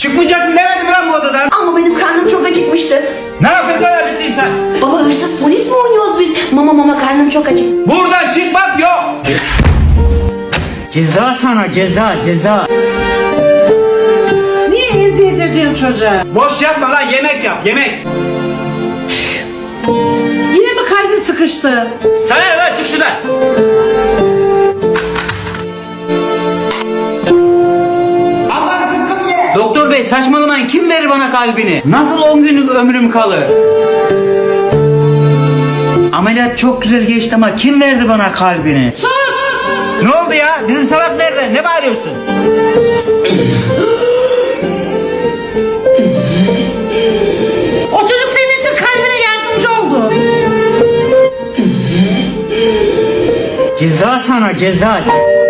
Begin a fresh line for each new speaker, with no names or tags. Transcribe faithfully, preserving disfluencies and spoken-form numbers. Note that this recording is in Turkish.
Çıkmayacaksın demedim mi lan bu odadan?
Ama benim karnım çok acıkmıştı.
Ne yapayım lan acıktıysan?
Baba hırsız polis mi oynuyoruz biz? Mama mama karnım çok acık.
Buradan çıkmak yok.
Ceza sana, ceza ceza.
Niye eziyet ediyorsun çocuğa?
Boş yapma lan, yemek yap yemek.
Yine mi kalbin sıkıştı?
Sana ne lan, çık şuradan. Allah zıkkım ye.
Doktor bey saçmalamayın, kim verir bana kalbini? Nasıl on günlük ömrüm kalır? Ameliyat çok güzel geçti ama kim verdi bana kalbini?
Sus!
Ne oldu ya? Bizim salak nerede? Ne bağırıyorsun?
O çocuk senin için kalbine yardımcı oldu.
Ceza sana, ceza.